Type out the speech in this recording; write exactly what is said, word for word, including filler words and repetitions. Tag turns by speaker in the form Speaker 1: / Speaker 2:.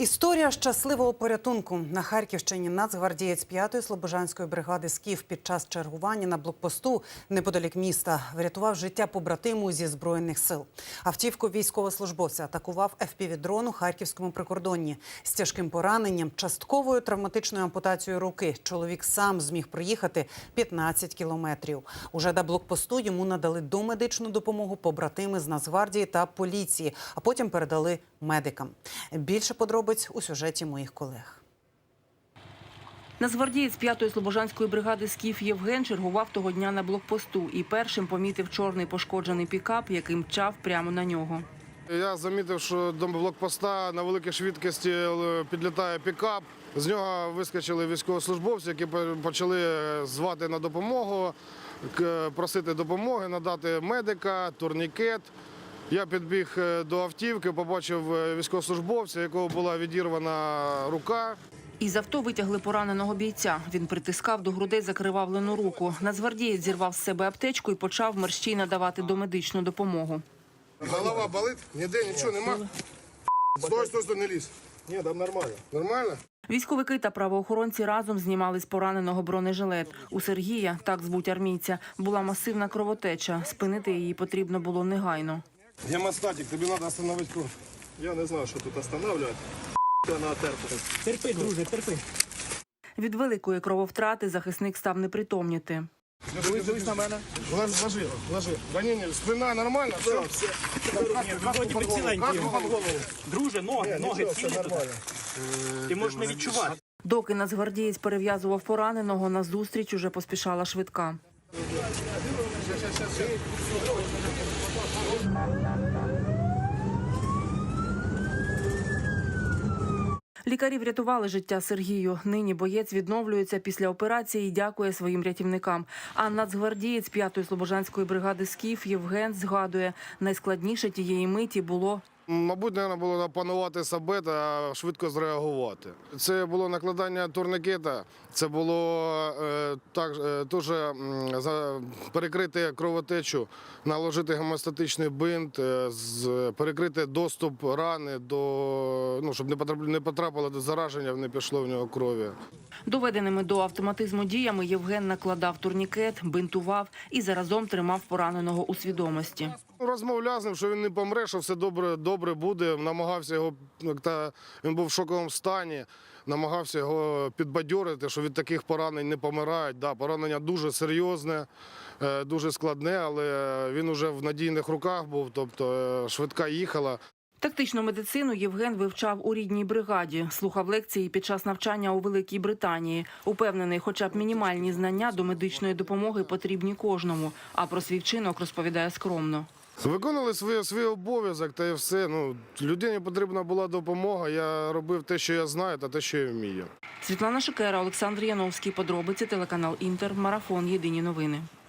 Speaker 1: Історія щасливого порятунку. На Харківщині нацгвардієць п'ятої слобожанської бригади «Скіф» під час чергування на блокпосту неподалік міста врятував життя побратиму зі Збройних сил. Автівку військовослужбовця атакував еф пі ві-дрон у харківському прикордонні. З тяжким пораненням, частковою травматичною ампутацією руки чоловік сам зміг проїхати п'ятнадцять кілометрів. Уже до блокпосту йому надали домедичну допомогу побратими з Нацгвардії та поліції, а потім передали медикам. Більше подробиць у сюжеті моїх колег.
Speaker 2: Нацгвардієць п'ятої слобожанської бригади «Скіф» Євген чергував того дня на блокпосту і першим помітив чорний пошкоджений пікап, який мчав прямо на нього.
Speaker 3: Я замітив, що до блокпоста на великій швидкості підлітає пікап. З нього вискочили військовослужбовці, які почали звати на допомогу, просити допомоги, надати медика, турнікет. Я підбіг до автівки, побачив військовослужбовця, якого була відірвана рука.
Speaker 2: Із авто витягли пораненого бійця. Він притискав до грудей закривавлену руку. Нацгвардієць зірвав з себе аптечку і почав мерщій надавати домедичну допомогу.
Speaker 3: Голова болить? Ніде нічого нема? Стой, стой, стой, не лізь. Ні, там нормально. Нормально?
Speaker 2: Військовики та правоохоронці разом знімали з пораненого бронежилет. У Сергія, так звуть армійця, була масивна кровотеча. Спинити її потрібно було негайно.
Speaker 3: Гемостатик, тобі треба остановити кров.
Speaker 4: Я не знаю, що тут останавливати. На терпи.
Speaker 5: Терпи, друже, терпи.
Speaker 2: Від великої крововтрати захисник став непритомніти.
Speaker 5: Дивись на мене.
Speaker 3: Ложи, ложи, ложи. Ранення, спина нормальна? Все, все.
Speaker 5: Вроді би ціленький. Друже, ноги, ноги цілі. Ти можеш не відчувати.
Speaker 2: Доки нацгвардієць перев'язував пораненого, на зустріч уже поспішала швидка. Лікарі врятували життя Сергію. Нині боєць відновлюється після операції і дякує своїм рятівникам. А нацгвардієць п'ятої слобожанської бригади «Скіф» Євген згадує, найскладніше тієї миті було...
Speaker 3: Мабуть, мабуть, було опанувати себе та швидко зреагувати. Це було накладання турнікета, це було е, так, е, дуже е, перекрити кровотечу, наложити гемостатичний бинт, е, з, перекрити доступ рани, до, ну, щоб не потрапило, не потрапило до зараження, не пішло в нього крові.
Speaker 2: Доведеними до автоматизму діями Євген накладав турнікет, бинтував і заразом тримав пораненого у свідомості.
Speaker 3: Розмовляв з ним, що він не помре, що все добре, добре буде. Намагався його, та він був в шоковому стані, намагався його підбадьорити, що від таких поранень не помирають. Да, поранення дуже серйозне, дуже складне, але він уже в надійних руках був, тобто швидка їхала.
Speaker 2: Тактичну медицину Євген вивчав у рідній бригаді, слухав лекції під час навчання у Великій Британії. Упевнений, хоча б мінімальні знання до медичної допомоги потрібні кожному, а про свій вчинок розповідає скромно.
Speaker 3: Виконали свій, свій обов'язок та і все. Ну, людині потрібна була допомога, я робив те, що я знаю, та те, що я вмію.
Speaker 2: Світлана Шикера, Олександр Яновський. Подробиці, телеканал «Інтер», Марафон. Єдині новини.